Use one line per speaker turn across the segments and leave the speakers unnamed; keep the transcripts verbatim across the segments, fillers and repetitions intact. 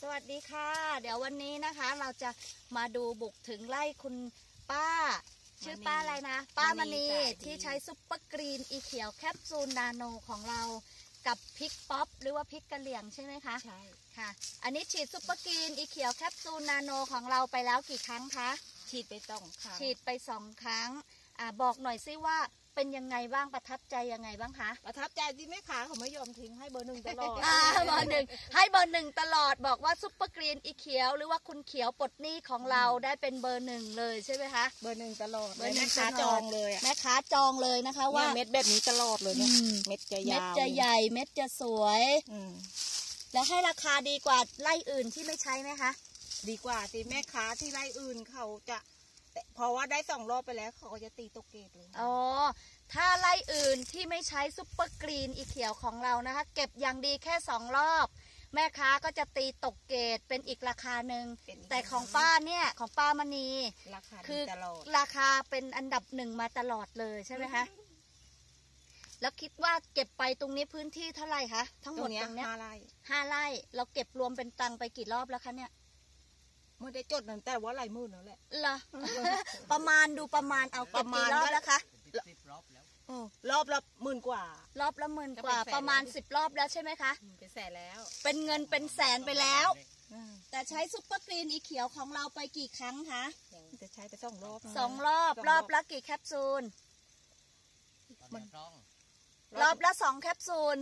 วัสดีค่ะเดี๋ยววันนี้นะคะเราจะมาดูบุกถึงไร่คุณป้าชื่อป้าอะไรนะป้ามณีที่ใช้ซุปเปอร์กรีนอีเขียวแคปซูลนาโนของเรากับพริกป๊อปหรือว่าพริกกะเหรี่ยงใช่ไหมคะใช่ค่ะอันนี้ฉีดซุปเปอร์กรีนอีเขียวแคปซูลนาโนของเราไปแล้วกี่ครั้งคะ
ฉีดไปสองครั้ง
ฉีดไปสองครั้งอ่าบอกหน่อยซิว่าเป็นยังไงบ้างประทับใจยังไงบ้างคะ
ประทับใจที่แม่ค้าเขาไม่ยอมทิ้งให้เบอร์หนึ่งตลอด
อ่าเบอร์หนึ่งให้เบอร์หนึ่งตลอดบอกว่าซุปเปอร์กรีนอีเขียวหรือว่าคุณเขียวปลดหนี้ของเราได้เป็นเบอร์หนึ่งเลยใช่ไหมคะ
เบอร์หนึ่งตลอดแม่ค้าจองเลย
แม่ค้าจองเลยนะคะว่า
เม็ดแบบนี้ตลอดเลยเนี่ยเม็ดจะยาว
เม็ดจะใหญ่เม็ดจะสวยแล้วให้ราคาดีกว่าไร่อื่นที่ไม่ใช้ไหมคะ
ดีกว่าสิแม่ค้าที่ไร่อื่นเขาจะเพราะว่าได้สองรอบไปแล้วเขาก็จะตีตกเกตเลย
อ๋อถ้าไร่อื่นที่ไม่ใช้ซุปเปอร์กรีนอีเขียวของเรานะคะเก็บอย่างดีแค่สองรอบแม่ค้าก็จะตีตกเกตเป็นอีกราคาหนึ่งแต่ของป้าเนี่ยของป้ามณีคือราคาเป็นอันดับหนึ่งมาตลอดเลยใช่ไหมคะแล้วคิดว่าเก็บไปตรงนี้พื้นที่เท่าไหร่คะทั้งหมดตรงนี้ห้าไร่ห้าไร่เราเก็บรวมเป็นตังไปกี่รอบแล้วคะเนี่ย
ไม่ได้จดนั่นแต่ว่าหลายหมื่นแล้วแหละ
เหรอประมาณดูประมาณเอาเก็บกี่รอบแล้วคะ
รอบแล้วรอบละหมื่นกว่าร
อบละหมื่นกว่าประมาณสิบรอบแล้วใช่ไหมคะ
เป็นแสนแล้ว
เป็นเงินเป็นแสนไปแล้วแต่ใช้ซุปเปอร์กรีนอีเขียวของเราไปกี่ครั้งคะ
จะใช้ไปสองรอบ
สองรอบรอบละกี่แคปซูลรอบละสองแคปซูล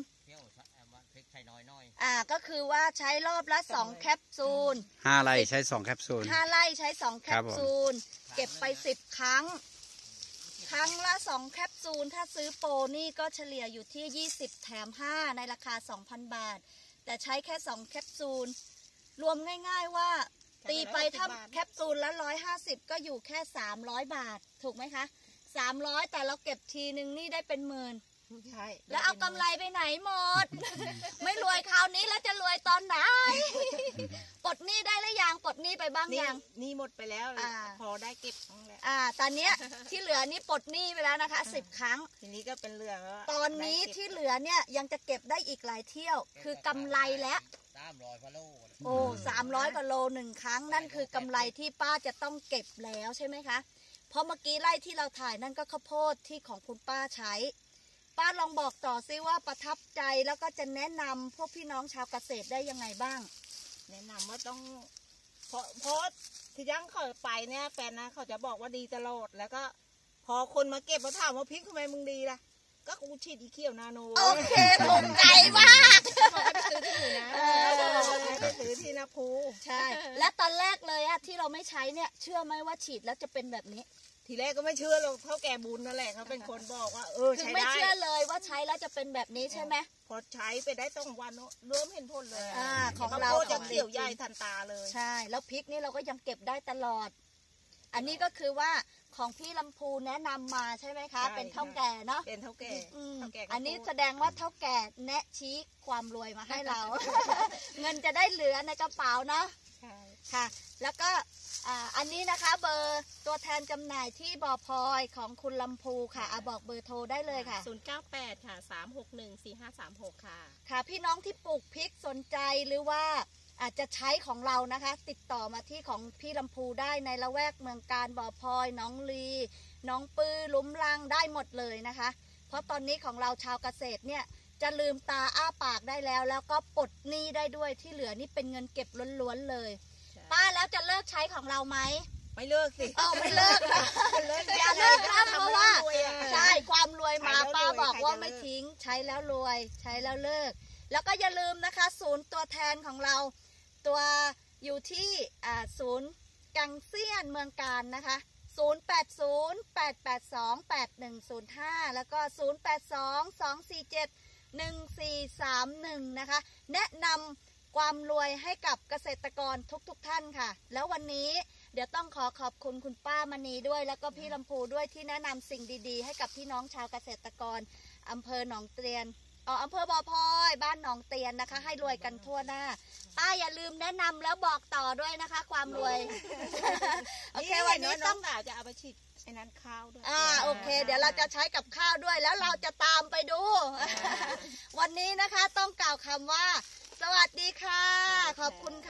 อ่าก็คือว่าใช้รอบละสองแคปซูล
ห้าไร่ใช้สองแคปซูล
ห้าไร่ใช้สองแคปซูลเก็บไปสิบครั้งครั้งละสองแคปซูลถ้าซื้อโปรนี่ก็เฉลี่ยอยู่ที่ยี่สิบแถมห้าในราคา สองพัน บาทแต่ใช้แค่สองแคปซูลรวมง่ายๆว่าตีไปถ้าแคปซูลละหนึ่งร้อยห้าสิบก็อยู่แค่สามร้อยบาทถูกไหมคะสามร้อยแต่เราเก็บทีนึงนี่ได้เป็นหมื่นใช่แล้วเอากำไรไปไหนหมด ไม่รวยคราวนี้แล้วจะรวยตอนไหน ปลดหนี้ได้หรือยังปลดหนี้ไปบ้างยัง
หนี้หมดไปแล้วพอได้เก็บแล้ว
อ่าตอนนี้ที่เหลือนี่ปลดหนี้ไปแล้วนะคะสิบครั้ง
ทีนี้ก็เป็นเหลือ
ตอนนี้ที่เหลือเนี่ยยังจะเก็บได้อีกหลายเที่ยวคือกำไรแล้ว
สามร้อยกว่าโล
โอ้สามร้อยกว่าโลหนึ่งครั้งนั่นคือกำไรที่ป้าจะต้องเก็บแล้วใช่ไหมคะเพราะเมื่อกี้ไร่ที่เราถ่ายนั่นก็ข้าวโพดที่ของคุณป้าใช้ป้าลองบอกต่อซิว่าประทับใจแล้วก็จะแนะนำพวกพี่น้องชาวเกษตรได้ยังไงบ้าง
แนะนำว่าต้องเพราะเพราะที่ยังเขาไปเนี่ยแฟนนะเขาจะบอกว่าดีตลอดแล้วก็พอคนมาเก็บมาถามว่าพริกทำไมมึงดีล่ะก็กูฉีดอีเขียวนาโน
โอเคภูมิใจมาก
เขาก็ซื้อที่อยู่นะไปซื้อที่นาภู
ใช่และตอนแรกเลยอะที่เราไม่ใช้เนี่ยเชื่อไหมว่าฉีดแล้วจะเป็นแบบนี้
ทีแรกก็ไม่เชื่อหรอกเท่าแก่บุญนั่นแหละเขาเป็นคนบอกว่าเออใช้ได้
ไม่เชื่อเลยว่าใช้แล้วจะเป็นแบบนี้ใช่ไหม
พอใช้ไปได้ต้องวันเริ่มเห็นผลเลย
อ่าของเรา
จะเขียวใหญ่ทันตาเลย
ใช่แล้วพริกนี่เราก็ยังเก็บได้ตลอดอันนี้ก็คือว่าของพี่ลำพูแนะนำมาใช่ไหมคะเป็นเท่าแก่เนาะ
เป็นเท่าแก่
อันนี้แสดงว่าเท่าแก่แนะชี้ความรวยมาให้เรา เงินจะได้เหลือในกระเป๋าเนาะค่ะแล้วก็อันนี้นะคะเบอร์ตัวแทนจำหน่ายที่บ่อพลอยของคุณลำพูค่ะอ่ะบอกเบอร์โทรได้เลยค่ะ
ศูนย์ เก้า แปดค่ะสาม หก หนึ่ง สี่ ห้า สาม หกค่ะ
ค่ะพี่น้องที่ปลูกพริกสนใจหรือว่าอาจจะใช้ของเรานะคะติดต่อมาที่ของพี่ลำพูได้ในละแวกเมืองการบ่อพลอยน้องลีน้องปื้อลุ้มลังได้หมดเลยนะคะเพราะตอนนี้ของเราชาวเกษตรเนี่ยจะลืมตาอ้าปากได้แล้วแล้วก็ปลดหนี้ได้ด้วยที่เหลือนี่เป็นเงินเก็บล้วนๆเลยป้าแล้วจะเลิกใช้ของเราไหม
ไม่เลิกสิ
อ๋อไม่เลิกอย่าเลิกนะเพราะว่าใช่ความรวยมาป้าบอกว่าไม่ทิ้งใช้แล้วรวยใช้แล้วเลิกแล้วก็อย่าลืมนะคะศูนย์ตัวแทนของเราตัวอยู่ที่ศูนย์กังเซียนเมืองการนะคะศูนย์ แปด ศูนย์ แปด แปด สอง แปด หนึ่ง ศูนย์ ห้าแล้วก็ศูนย์ แปด สอง สอง สี่ เจ็ด หนึ่ง สี่ สาม หนึ่งนะคะแนะนำความรวยให้กับเกษตรกรทุกๆ ท่านค่ะแล้ววันนี้เดี๋ยวต้องขอขอบคุณคุณป้ามณีด้วยแล้วก็พี่ลำพูด้วยที่แนะนำสิ่งดีๆให้กับพี่น้องชาวเกษตรกรอำเภอหนองเตียนอ๋ออำเภอบ่อพลอยบ้านหนองเตียนนะคะให้รวยกันทั่วหน้าป้าอย่าลืมแนะนำแล้วบอกต่อด้วยนะคะความรวยโอเควันนี้ต้อง
จะเอาไปฉีดไอ้นั้นข้าวด้วย
อ่าโอเคเดี๋ยวเราจะใช้กับข้าวด้วยแล้วเราจะตามไปดูวันนี้นะคะต้องกล่าวคำว่าสวัสดีค่ะขอบคุณค่ะ